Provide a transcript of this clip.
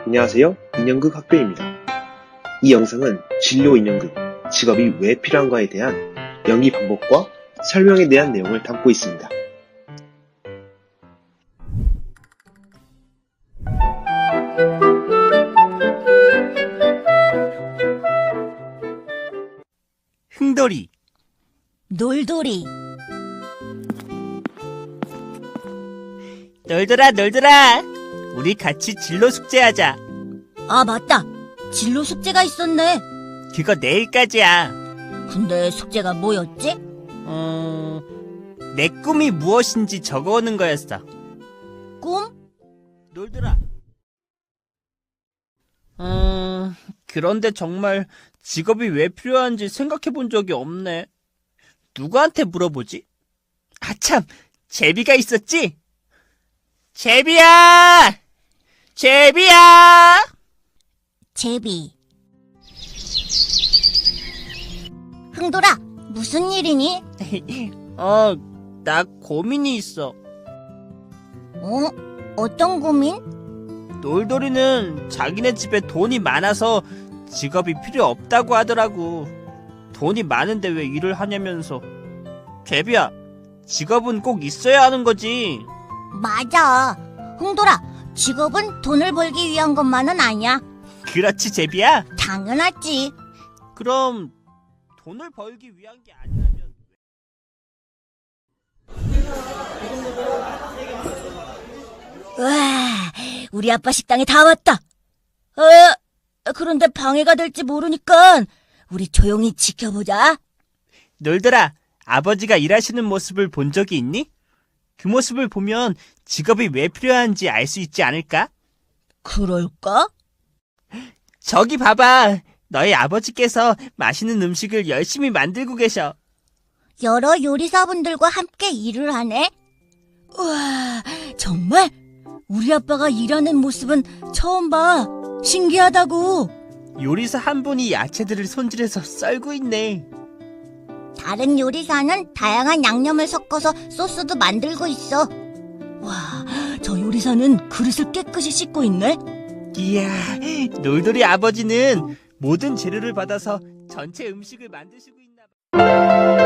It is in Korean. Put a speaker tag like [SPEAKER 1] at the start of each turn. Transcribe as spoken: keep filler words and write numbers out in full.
[SPEAKER 1] 안녕하세요. 인형극 학교입니다. 이 영상은 진로 인형극, 직업이 왜 필요한가에 대한 연기 방법과 설명에 대한 내용을 담고 있습니다.
[SPEAKER 2] 흥돌이,
[SPEAKER 3] 놀돌이,
[SPEAKER 2] 놀더라 놀더라. 우리 같이 진로 숙제하자.
[SPEAKER 3] 아 맞다, 진로 숙제가 있었네.
[SPEAKER 2] 그거 내일까지야.
[SPEAKER 3] 근데 숙제가 뭐였지?
[SPEAKER 2] 어... 내 꿈이 무엇인지 적어오는 거였어.
[SPEAKER 3] 꿈?
[SPEAKER 2] 놀더라. 음... 그런데 정말 직업이 왜 필요한지 생각해 본 적이 없네. 누구한테 물어보지? 아참, 제비가 있었지? 제비야! 제비야!
[SPEAKER 3] 제비. 흥돌아, 무슨 일이니?
[SPEAKER 2] 어, 나 고민이 있어.
[SPEAKER 3] 어? 어떤 고민?
[SPEAKER 2] 놀돌이는 자기네 집에 돈이 많아서 직업이 필요 없다고 하더라고. 돈이 많은데 왜 일을 하냐면서. 제비야, 직업은 꼭 있어야 하는 거지.
[SPEAKER 3] 맞아. 흥돌아, 직업은 돈을 벌기 위한 것만은 아니야.
[SPEAKER 2] 그렇지, 제비야?
[SPEAKER 3] 당연하지.
[SPEAKER 2] 그럼 돈을 벌기 위한 게 아니라면.
[SPEAKER 3] 와, 우리 아빠 식당에 다 왔다. 어, 그런데 방해가 될지 모르니까 우리 조용히 지켜보자.
[SPEAKER 2] 놀더라, 아버지가 일하시는 모습을 본 적이 있니? 그 모습을 보면 직업이 왜 필요한지 알 수 있지 않을까?
[SPEAKER 3] 그럴까?
[SPEAKER 2] 저기 봐봐. 너희 아버지께서 맛있는 음식을 열심히 만들고 계셔.
[SPEAKER 3] 여러 요리사분들과 함께 일을 하네. 우와, 정말? 우리 아빠가 일하는 모습은 처음 봐. 신기하다고.
[SPEAKER 2] 요리사 한 분이 야채들을 손질해서 썰고 있네.
[SPEAKER 3] 다른 요리사는 다양한 양념을 섞어서 소스도 만들고 있어. 와, 저 요리사는 그릇을 깨끗이 씻고 있네.
[SPEAKER 2] 이야, 놀돌이 아버지는 모든 재료를 받아서 전체 음식을 만드시고 있나 봐.